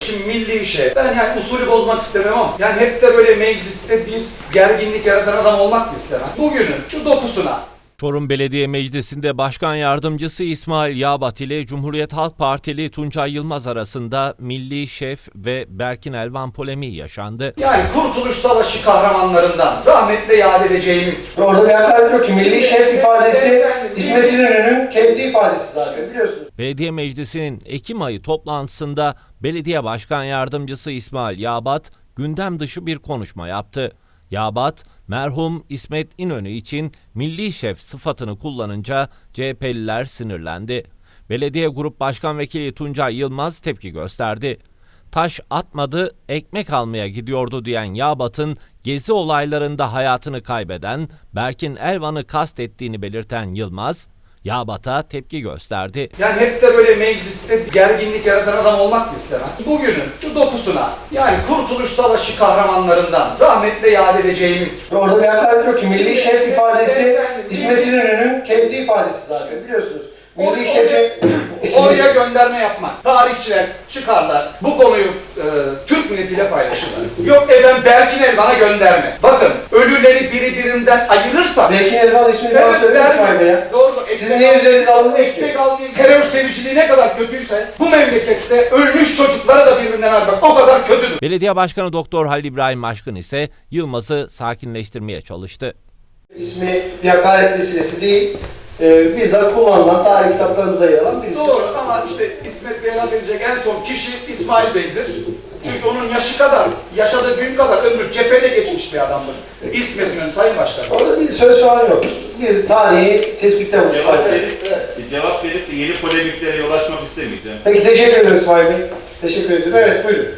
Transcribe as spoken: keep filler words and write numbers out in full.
Şimdi milli işe, ben yani usulü bozmak istemem ama yani hep de böyle mecliste bir gerginlik yaratan adam olmak da istemem. Bugünün şu dokusuna. Çorum Belediye Meclisi'nde Başkan Yardımcısı İsmail Yağbat ile Cumhuriyet Halk Partili Tuncay Yılmaz arasında Milli Şef ve Berkin Elvan polemiği yaşandı. Yani Kurtuluş Savaşı kahramanlarından rahmetle yad edeceğimiz. Orada bir hakaret yok ki. Milli Şef ifadesi İsmet İnönü'nün kendi ifadesi zaten, biliyorsunuz. Belediye Meclisi'nin Ekim ayı toplantısında Belediye Başkan Yardımcısı İsmail Yağbat gündem dışı bir konuşma yaptı. Yağbat, merhum İsmet İnönü için milli şef sıfatını kullanınca C H P'liler sinirlendi. Belediye Grup Başkan Vekili Tuncay Yılmaz tepki gösterdi. Taş atmadı, ekmek almaya gidiyordu diyen Yağbat'ın gezi olaylarında hayatını kaybeden Berkin Elvan'ı kastettiğini belirten Yılmaz, Yağbat'a tepki gösterdi. Yani hep de böyle mecliste gerginlik yaratan adam olmak da istemem. Bugünün şu dokusuna, yani Kurtuluş Savaşı kahramanlarından rahmetle yad edeceğimiz. Orada bir hakaret yok ki. Milli Şef ifadesi İsmet İnönü'nün kendi ifadesi zaten, biliyorsunuz. Milli Şef'i Oraya gönderme yapmak. Tarihçiler çıkarlar, bu konuyu e, Türk milletiyle paylaşırlar. Yok efendim Berkin Elvan'a gönderme. Bakın ölüleri biri birinden ayırırsa... Berkin Elvan ismini falan söylemiş İsmail Bey ya. Doğru. Sizin niye üzerinize alınmış ki? Ekmek almayın. Terör seviciliği ne kadar kötüyse bu memlekette ölmüş çocuklara da birbirinden ayırmak o kadar kötüdür. Belediye Başkanı Doktor Halil İbrahim Aşkın ise Yılmaz'ı sakinleştirmeye çalıştı. İsmi bir hakaret vesilesi değil. Ee, bizzat kullanılan, tarih kitaplarında yer alan birisi. Doğru ama işte İsmet Bey'e laf edecek en son kişi İsmail Bey'dir. Çünkü onun yaşı kadar, yaşadığı gün kadar ömrü cephede geçmiş bir adamdır. İsmet İnönü Sayın Başkan. Orada bir söz falan yok. Bir tarihi tespitte bulmuş. Cevap verip, cevap verip de yeni polemiklere yol açmak istemeyeceğim. Peki teşekkür ederim İsmail Bey. Teşekkür ederim. Evet, buyurun.